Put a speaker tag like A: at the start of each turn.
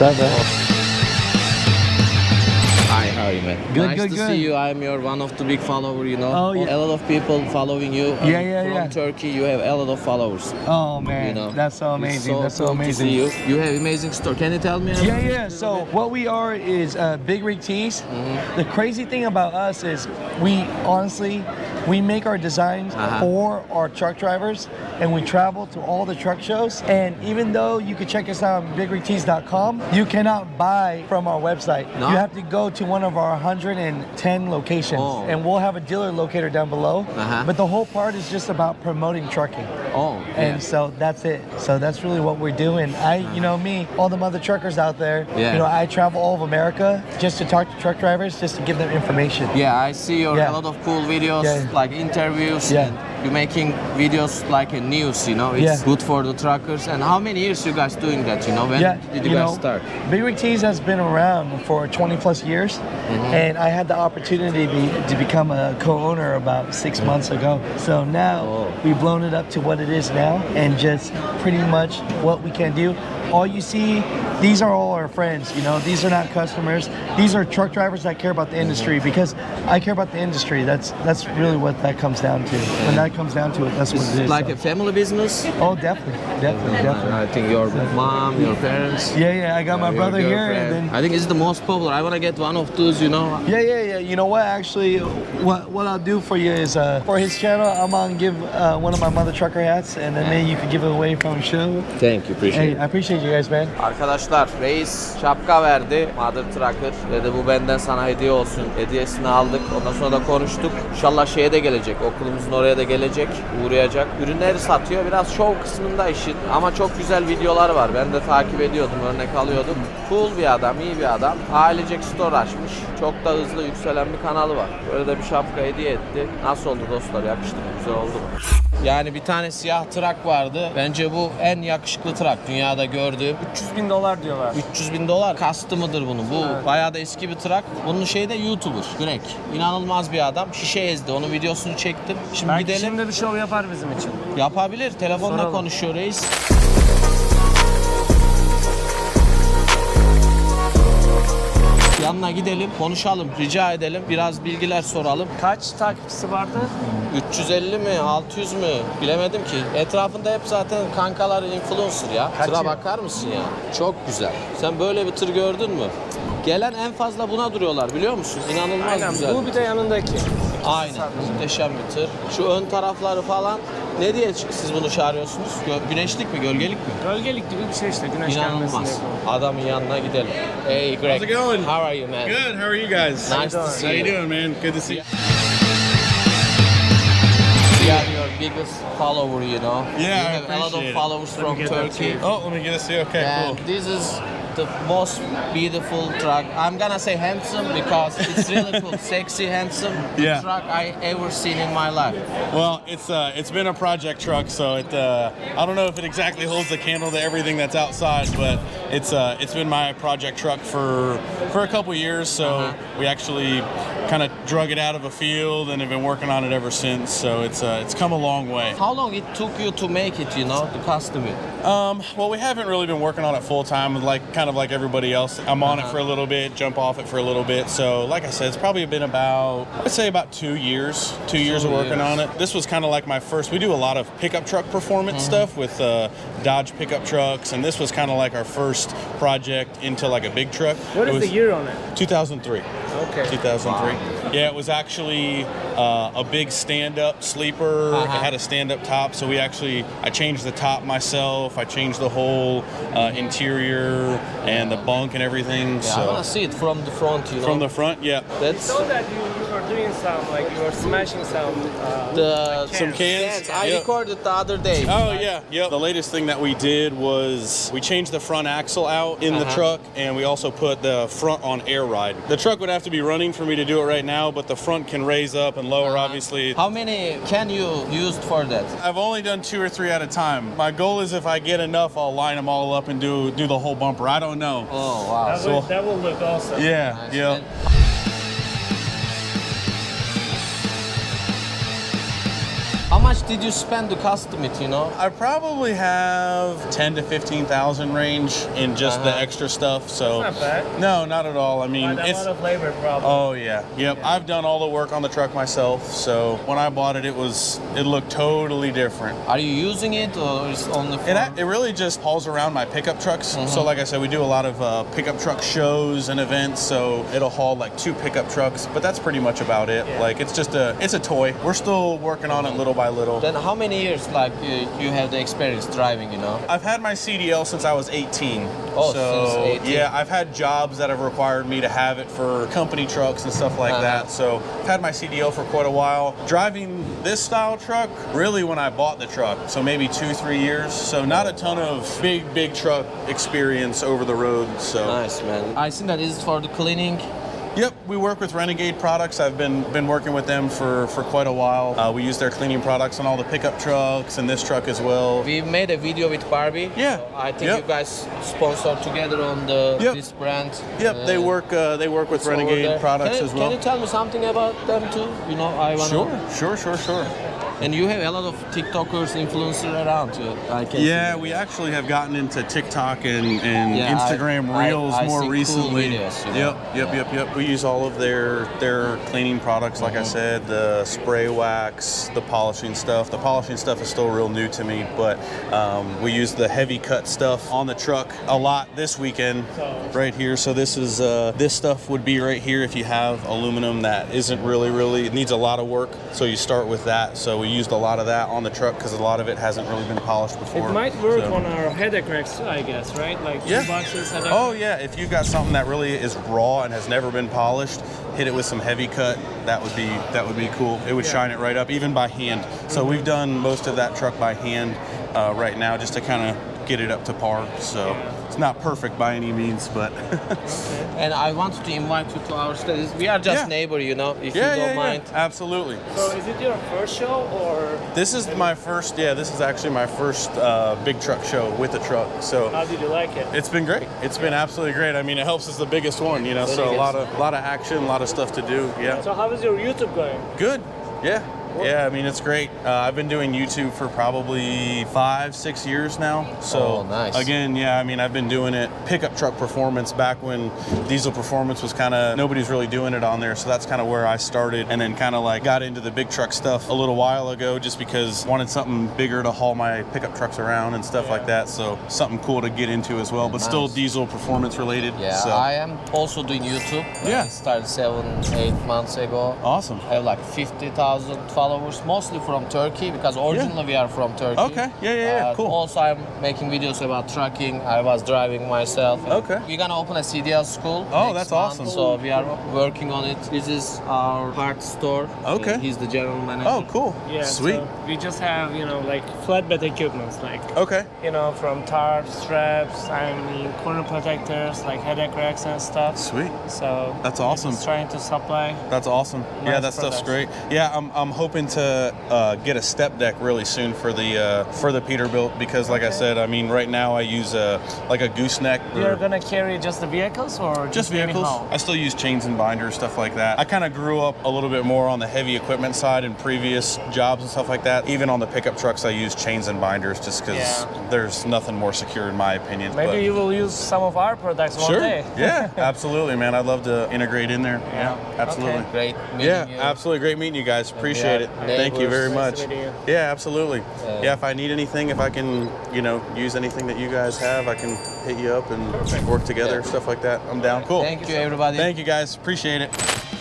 A: up, man?
B: Hi, how are you, man?
A: Good,
B: nice
A: good,
B: to
A: good.
B: see you. I'm your one of the big follower, you know.
A: Oh, yeah.
B: A lot of people following you. From Turkey, you have a lot of followers.
A: Oh man,
B: You know,
A: that's so amazing. That's so
B: cool to
A: amazing.
B: see you. You have amazing store. Can you tell me?
A: Yeah. So what we are is Big Rig Tees. The crazy thing about us is we make our designs for our truck drivers, and we travel to all the truck shows. And even though you can check us out on bigrigtees.com, you cannot buy from our website.
B: No?
A: You have to go to one of our 110 locations, and we'll have a dealer locator down below. But the whole part is just about promoting trucking. And so that's it. So that's really what we're doing. You know me, all the other truckers out there, you know, I travel all of America just to talk to truck drivers, just to give them information.
B: Yeah, I see your a lot of cool videos, like interviews. And you're making videos like a news, you know. It's good for the truckers. And how many years you guys doing that, you know? When did you guys start?
A: Big Rig Tees has been around for 20 plus years. And I had the opportunity to become a co-owner about 6 months ago. So now we've blown it up to what it is now, and just pretty much what we can do. All you see, these are all our friends, you know. These are not customers. These are truck drivers that care about the industry, because I care about the industry. That's really what that comes down to. When that comes down to it, that's what it is.
B: Like a family business?
A: Oh, definitely.
B: I think your mom, your parents.
A: Yeah. I got my brother here, and then
B: I think it's the most popular. I want to get one of those, you know.
A: Yeah. You know what? Actually, what I'll do for you is for his channel, I'm gonna give one of my mother trucker hats, and then maybe you could give it away from the show.
B: Thank you, appreciate it.
A: I appreciate you guys, man.
B: Arkadaşlar, reis şapka verdi. Mother Trucker dedi, bu benden sana hediye olsun. Hediyesini aldık. Ondan sonra da konuştuk. İnşallah şeye de gelecek. Okulumuzun oraya da gelecek. Uğrayacak. Ürünleri satıyor. Biraz şov kısmında işin. Ama çok güzel videolar var. Ben de takip ediyordum. Örnek alıyordum. Cool bir adam. İyi bir adam. Ailecek store açmış. Çok da hızlı yükselen bir kanalı var. Böyle de bir şapka hediye etti. Nasıl oldu dostlar? Yakıştı mı? Güzel oldu mu? Yani bir tane siyah trak vardı. Bence bu en yakışıklı trak dünyada gördüğüm.
C: $300.000 diyorlar.
B: $300.000 kastı mıdır bunun? Bu bayağı da eski bir trak. Bunun şeyi de YouTuber. Greg. İnanılmaz bir adam. Şişe ezdi. Onun videosunu çektim. Şimdi
C: Belki
B: gidelim.
C: şimdi bir şov yapar bizim için.
B: Yapabilir. Telefonla
C: Soralım.
B: konuşuyor reis. Yanına gidelim, konuşalım, rica edelim, biraz bilgiler soralım.
C: Kaç takipçisi vardı?
B: 350 mi, 600 mü bilemedim ki. Etrafında hep zaten kankalar influencer ya. Tıra bakar mısın ya? Çok güzel. Sen böyle bir tır gördün mü? Gelen en fazla buna duruyorlar, biliyor musun? İnanılmaz
C: Aynen.
B: güzel.
C: Bu bir de yanındaki.
B: Aynen. Muhteşem bir tır. Şu ön tarafları falan. Ne diye siz bunu çağırıyorsunuz? Güneşlik mi, gölgelik mi?
C: Gölgelik gibi bir şey işte. Güneş gelmesin
B: İnanılmaz.
C: diye.
B: Adamın yanına gidelim. Hey Greg.
D: How's it going?
B: How are you, man?
D: Good. How are you guys?
B: Nice to see
D: How you
B: you.
D: doing, man? Good to see you.
B: We are your biggest follower, you know.
D: Yeah,
B: you
D: I
B: have a lot of
D: appreciate it.
B: followers from
C: get that
B: Turkey.
D: Oh, let me get a see. Okay,
B: And
D: cool.
B: this is the most beautiful truck. I'm gonna say handsome because it's really cool, sexy, handsome
D: Yeah.
B: truck I ever seen in my life.
D: Well, it's been a project truck, so I don't know if it exactly holds the candle to everything that's outside, but it's been my project truck for a couple years. So we actually kind of drug it out of a field and have been working on it ever since. So it's come a long way.
B: How long it took you to make it, you know, to custom it?
D: Well, we haven't really been working on it full time, kind of like everybody else. I'm on it for a little bit, jump off it for a little bit. So, like I said, it's probably been about, I'd say about 2 years. 2 years of working on it. This was kind of like my first. We do a lot of pickup truck performance stuff with Dodge pickup trucks, and this was kind of like our first project into like a big truck.
C: What is the year on it?
D: 2003.
C: Okay.
D: 2003. Yeah, it was actually a big stand-up sleeper. It had a stand-up top, so I changed the top myself. I changed the whole interior and the bunk and everything.
B: Yeah, I wanna see it from the front, you know.
D: From the front, yeah.
B: That's
C: So that you were doing some, like you were smashing some
D: Some cans.
B: I
D: Yep.
B: recorded the other day.
D: Oh yeah, yep. The latest thing that we did was we changed the front axle out in the truck, and we also put the front on air ride. The truck would have to be running for me to do it right now, but the front can raise up and lower, obviously.
B: How many can you use for that?
D: I've only done 2 or 3 at a time. My goal is if I get enough, I'll line them all up and do the whole bumper. I don't know.
B: Oh wow.
C: that will look awesome.
D: Yeah,
B: Nice.
D: yeah.
B: And- much did you spend to custom it, you know?
D: I probably have 10 to 15,000 range in just the extra stuff. So
C: That's not bad.
D: no, not at all. I mean,
C: But a
D: it's
C: lot of labor probably.
D: oh yeah, yep. I've done all the work on the truck myself. So when I bought it, it looked totally different.
B: Are you using it or is only for...
D: It really just hauls around my pickup trucks. So like I said, we do a lot of pickup truck shows and events. So it'll haul like 2 pickup trucks, but that's pretty much about it.
C: Yeah.
D: Like it's a toy. We're still working on it little by little.
B: Then how many years like you have the experience driving, you know?
D: I've had my CDL since I was 18.
B: Oh,
D: so
B: since 18.
D: yeah, I've had jobs that have required me to have it for company trucks and stuff like that. So I've had my CDL for quite a while. Driving this style truck, really when I bought the truck, so maybe 2-3 years. So not a ton of big truck experience over the road. So
B: Nice, man. I think that is for the cleaning.
D: Yep, we work with Renegade Products. I've been working with them for quite a while. We use their cleaning products on all the pickup trucks and this truck as well.
B: We made a video with Barbie.
D: Yeah.
B: So I think
D: Yep.
B: you guys sponsor together on this brand.
D: Yep, they work with
B: it's over
D: Renegade
B: there.
D: Products
B: Can
D: as well.
B: Can you tell me something about them too? You know, I wanna.
D: Sure.
B: And you have a lot of TikTokers, influencers around you. I can
D: Yeah,
B: see.
D: we actually have gotten into TikTok and
B: Yeah,
D: Instagram Reels
B: I
D: more
B: see cool
D: recently.
B: videos, you know.
D: Yep. We use all of their cleaning products, like I said, the spray wax, the polishing stuff. The polishing stuff is still real new to me, but we use the heavy cut stuff on the truck a lot this weekend, right here. So this stuff would be right here if you have aluminum that isn't really, it needs a lot of work. So you start with that. So we used a lot of that on the truck because a lot of it hasn't really been polished before.
C: It might work
D: So-
C: on our headache racks, I guess, right? Like
D: Yeah.
C: toolboxes, headache.
D: Oh yeah, if you've got something that really is raw and has never been polished, hit it with some heavy cut. That would be cool. It would shine it right up, even by hand. So we've done most of that truck by hand right now, just to kind of get it up to par. So it's not perfect by any means, but
B: And I wanted to invite you to our studies. We are just
D: Yeah.
B: neighbor, you know, if you don't mind.
D: Absolutely.
C: So is it your first show or
D: This is my first. Yeah, this is actually my first big truck show with a truck. So
C: how did you like it?
D: it's been great. It's been absolutely great. I mean, it helps as the biggest one, you know. So a lot of action, a lot of stuff to do. Yeah.
C: So how is your YouTube going?
D: Good. Yeah. Yeah, I mean, it's great. I've been doing YouTube for probably 5-6 years now. So,
B: Oh, nice.
D: again, yeah, I mean, I've been doing it pickup truck performance back when diesel performance was kind of, nobody's really doing it on there. So that's kind of where I started, and then kind of like got into the big truck stuff a little while ago just because I wanted something bigger to haul my pickup truks around and stuff like that. So something cool to get into as well, but still
B: Nice.
D: diesel performance related.
B: Yeah,
D: So,
B: I am also doing YouTube.
D: Yeah.
B: I started 7-8 months ago.
D: awesome.
B: I have like 50,000 followers, mostly from Turkey because originally we are from Turkey.
D: Okay. Yeah. Cool.
B: Also, I'm making videos about trucking. I was driving myself.
D: Okay.
B: We're gonna open a CDL school.
D: Oh,
B: next
D: that's
B: month,
D: awesome.
B: So we are working on it. This is our parts store.
D: Okay.
B: He's the general manager.
D: Oh, cool.
C: Yeah,
D: Sweet.
C: So we just have, like flatbed equipment, like,
D: Okay.
C: from tarps, straps, corner protectors, like headache racks and stuff.
D: Sweet.
C: So
D: That's
C: we're
D: awesome.
C: just trying to supply.
D: That's awesome. Yeah,
C: Nice
D: that stuff's
C: products.
D: great. Yeah, I'm hoping to get a step deck really soon for the Peterbilt because, like I said, I mean, right now I use a gooseneck.
C: You're gonna carry just the vehicles or
D: Just
C: maybe
D: vehicles.
C: haul?
D: I still use chains and binders, stuff like that. I kind of grew up a little bit more on the heavy equipment side in previous jobs and stuff like that. Even on the pickup trucks, I use chains and binders just because
C: Yeah.
D: there's nothing more secure in my opinion.
C: Maybe
D: But-
C: you will use some of our products one
D: Sure.
C: day.
D: Yeah, absolutely, man. I'd love to integrate in there. Yeah, absolutely.
C: Okay.
B: Great meeting
D: Yeah,
B: you.
D: absolutely. Great meeting you guys. Appreciate it.
B: neighbors.
D: Thank you very
C: Nice
D: much.
C: to meet you.
D: Yeah, absolutely. Yeah, if I need anything, if I can, use anything that you guys have, I can hit you up and work together,
B: Yeah.
D: stuff like that. I'm down. Cool.
B: Thank you, everybody.
D: Thank you guys. Appreciate it.